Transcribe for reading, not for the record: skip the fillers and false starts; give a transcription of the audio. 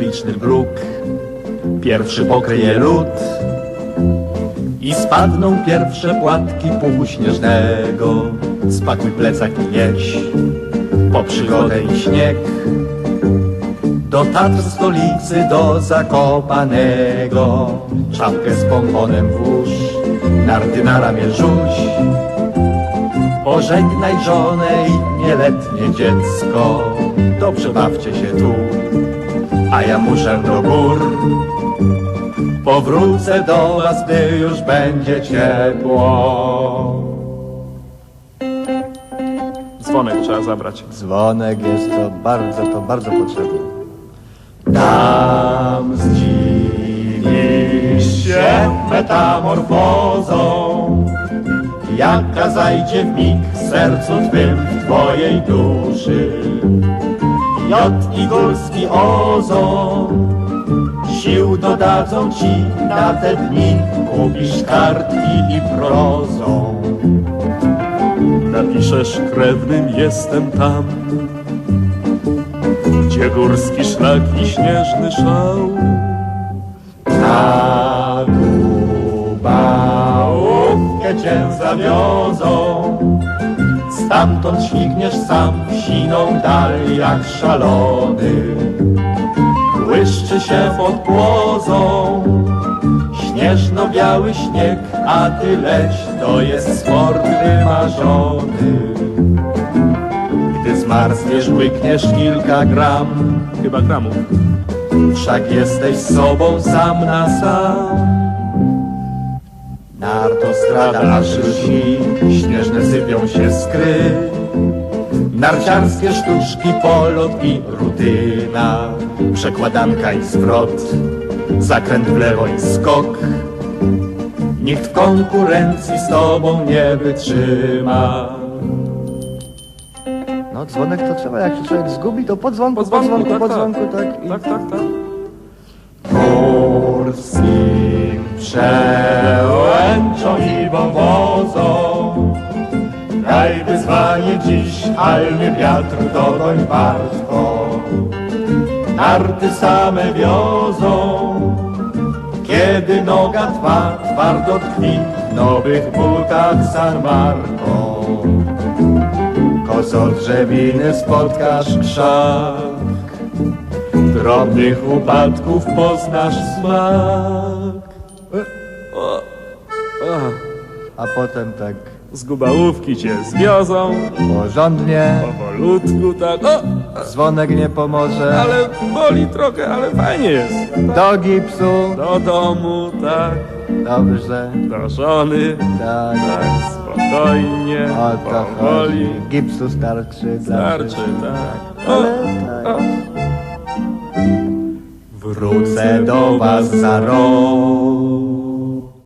śliczny bruk pierwszy pokryje lód i spadną pierwsze płatki puchu śnieżnego. Spakuj plecak i jedź po przygodę i śnieg do Tatr stolicy, do Zakopanego. Czapkę z pomponem włóż, narty na ramię rzuć, pożegnaj żonę i nieletnie dziecko. Dobrze bawcie się tu, a ja muszę do gór. Powrócę do was, gdy już będzie ciepło. Dzwonek trzeba zabrać. Dzwonek jest to bardzo potrzebne. Tam zdziwisz się metamorfozą, jaka zajdzie w mig w sercu twym, w twojej duszy. Jod i górski ozon sił dodadzą ci na te dni, kupisz kartki i prozą. Napiszesz krewnym jestem tam, gdzie górski szlak i śnieżny szał. Na Dubałówkę cię zawiozą, stamtąd śmigniesz sam w siną dal jak szalony. Błyszczy się pod płozą śnieżno-biały śnieg, a ty leć, to jest sport wymarzony. Gdy zmarzniesz, łykniesz kilka gram, Chyba gramów. wszak jesteś sobą sam na sam. Nartostrada aż lśni, śnieżne sypią się skry, narciarskie sztuczki, polot i rutyna, przekładanka i zwrot, zakręt w lewo i skok. Nikt w konkurencji z tobą nie wytrzyma. No dzwonek to trzeba, jak się człowiek zgubi, to po dzwonku, tak. tak. Tak, tak, tak. Górskim przełęczą i wąwozą daj wyzwanie dziś, almy wiatr dogoń wartko. Narty same wiozą, kiedy noga twa twardo tkwi w nowych butach San Marco. Koso drzewiny spotkasz krzak, drobnych upadków poznasz smak. A potem tak Z Gubałówki cię zwiozą, porządnie, powolutku tak. dzwonek nie pomoże. Ale boli trochę, ale fajnie jest. Do gipsu, Do domu, tak, dobrze, do żony, tak, tak, spokojnie, o to powoli. chodzi. Gipsu starczy dla Starczy, wszystkich. tak. Ale tak. Wrócę do was za rok,